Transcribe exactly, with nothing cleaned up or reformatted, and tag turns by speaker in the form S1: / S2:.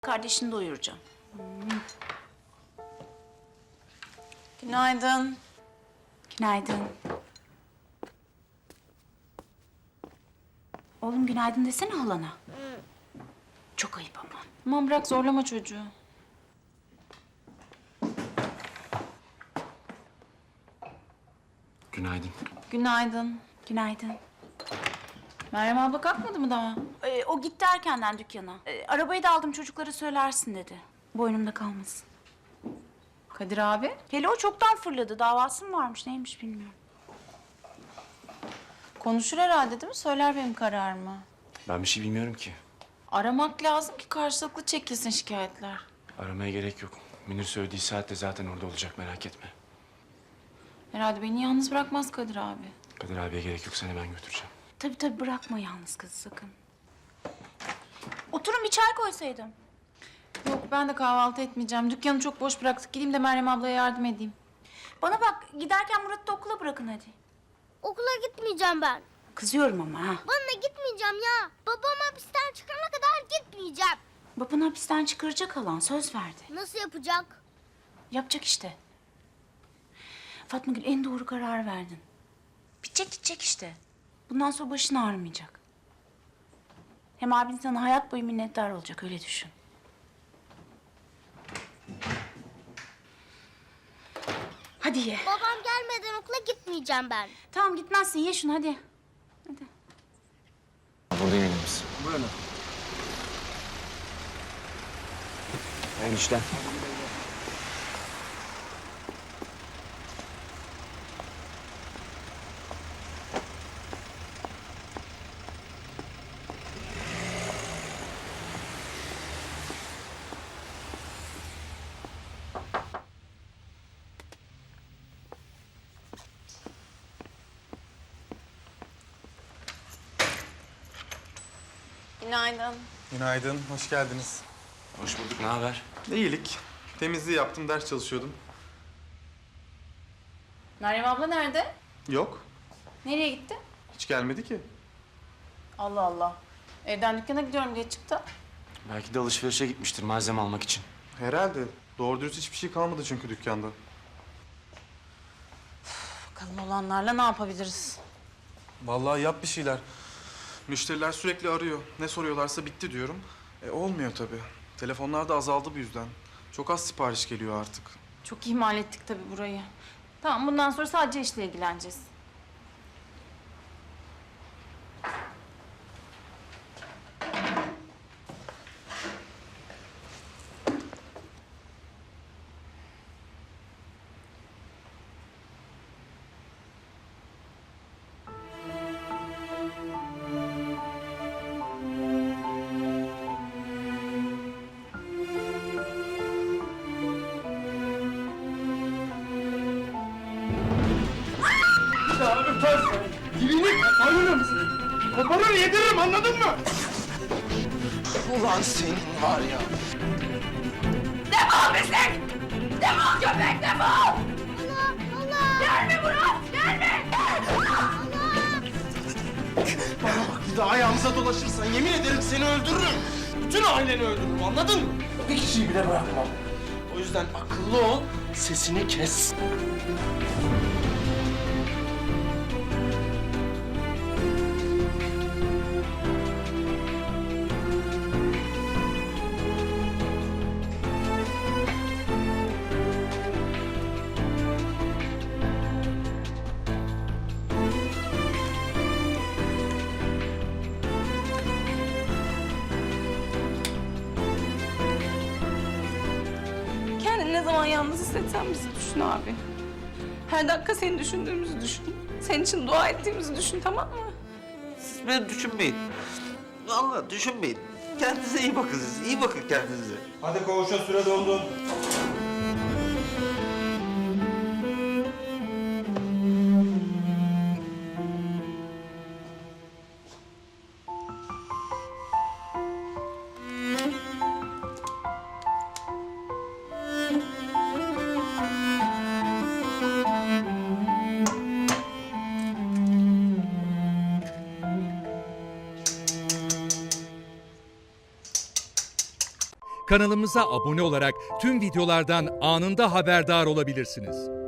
S1: Kardeşini doyuracağım. Hmm.
S2: Günaydın.
S1: Günaydın. Oğlum günaydın desene halana. Çok ayıp ama.
S2: Aman bırak zorlama çocuğu.
S3: Günaydın.
S2: Günaydın.
S1: Günaydın.
S2: Meryem abla kalkmadı mı daha?
S1: Ee, o gitti erkenden dükkana. Ee, arabayı da aldım, çocuklara söylersin dedi. Boynumda kalmasın.
S2: Kadir abi?
S1: Hele o çoktan fırladı. Davası mı varmış neymiş bilmiyorum.
S2: Konuşur herhalde değil mi? Söyler benim kararımı.
S3: Ben bir şey bilmiyorum ki.
S2: Aramak lazım ki karşılıklı çekilsin şikayetler.
S3: Aramaya gerek yok. Münir söylediği saatte zaten orada olacak, merak etme.
S2: Herhalde beni yalnız bırakmaz Kadir abi.
S3: Kadir abiye gerek yok, seni ben götüreceğim.
S1: Tabii tabii bırakma yalnız kızı sakın. Oturun bir çay koysaydım.
S2: Yok ben de kahvaltı etmeyeceğim. Dükkanı çok boş bıraktık. Gideyim de Meryem ablaya yardım edeyim.
S1: Bana bak giderken Murat'ı da okula bırakın hadi.
S4: Okula gitmeyeceğim ben.
S1: Kızıyorum ama ha.
S4: Bana gitmeyeceğim ya. Babam hapisten çıkana kadar gitmeyeceğim.
S1: Babanı hapisten çıkaracak halan söz verdi.
S4: Nasıl yapacak?
S1: Yapacak işte. Fatma Gül en doğru karar verdin. Bitecek gidecek işte. Bundan sonra başın ağrımayacak. Hem abin sana hayat boyu minnettar olacak öyle düşün. Hadi ye.
S4: Babam gelmeden okula gitmeyeceğim ben.
S1: Tamam gitmezsin ye şunu hadi. Hadi.
S3: Burada yemeğimiz.
S5: Buyurun.
S3: Hayırlı işler.
S2: Günaydın.
S5: Günaydın, hoş geldiniz.
S3: Hoş bulduk, ne haber?
S5: İyilik. Temizliği yaptım, ders çalışıyordum.
S2: Meryem abla nerede?
S5: Yok,
S2: Nereye gitti?
S5: hiç gelmedi ki.
S2: Allah Allah. Evden dükkana gidiyorum diye çıktı.
S3: Belki de alışverişe gitmiştir malzeme almak için.
S5: Herhalde. Doğru dürüst hiçbir şey kalmadı çünkü dükkanda.
S2: Bakalım olanlarla ne yapabiliriz?
S5: Vallahi yap bir şeyler. Müşteriler sürekli arıyor. Ne soruyorlarsa bitti diyorum. E olmuyor tabii. Telefonlar da azaldı bu yüzden. Çok az sipariş geliyor artık.
S2: Çok ihmal ettik tabii burayı. Tamam bundan sonra sadece işle ilgileneceğiz.
S6: Dilini koparırım. Koparır yediririm anladın mı?
S3: Ulan senin var ya.
S1: Defol pislik! Defol köpek defol!
S4: Allah! Allah!
S1: Gelme Murat gelme!
S6: Bana bak bir daha ayağımıza dolaşırsan yemin ederim seni öldürürüm. Bütün aileni öldürürüm anladın mı? Bir kişiyi bile bırakmam. O yüzden akıllı ol, sesini kes.
S7: Kendini ne zaman yalnız hissetsen bizi düşün abi. Her dakika seni düşündüğümüzü düşün. Senin için dua ettiğimizi düşün, tamam mı?
S8: Siz beni düşünmeyin. Vallahi düşünmeyin. Kendinize iyi bakın siz. İyi bakın kendinize.
S6: Hadi koğuşa süre doldu.
S9: Kanalımıza abone olarak tüm videolardan anında haberdar olabilirsiniz.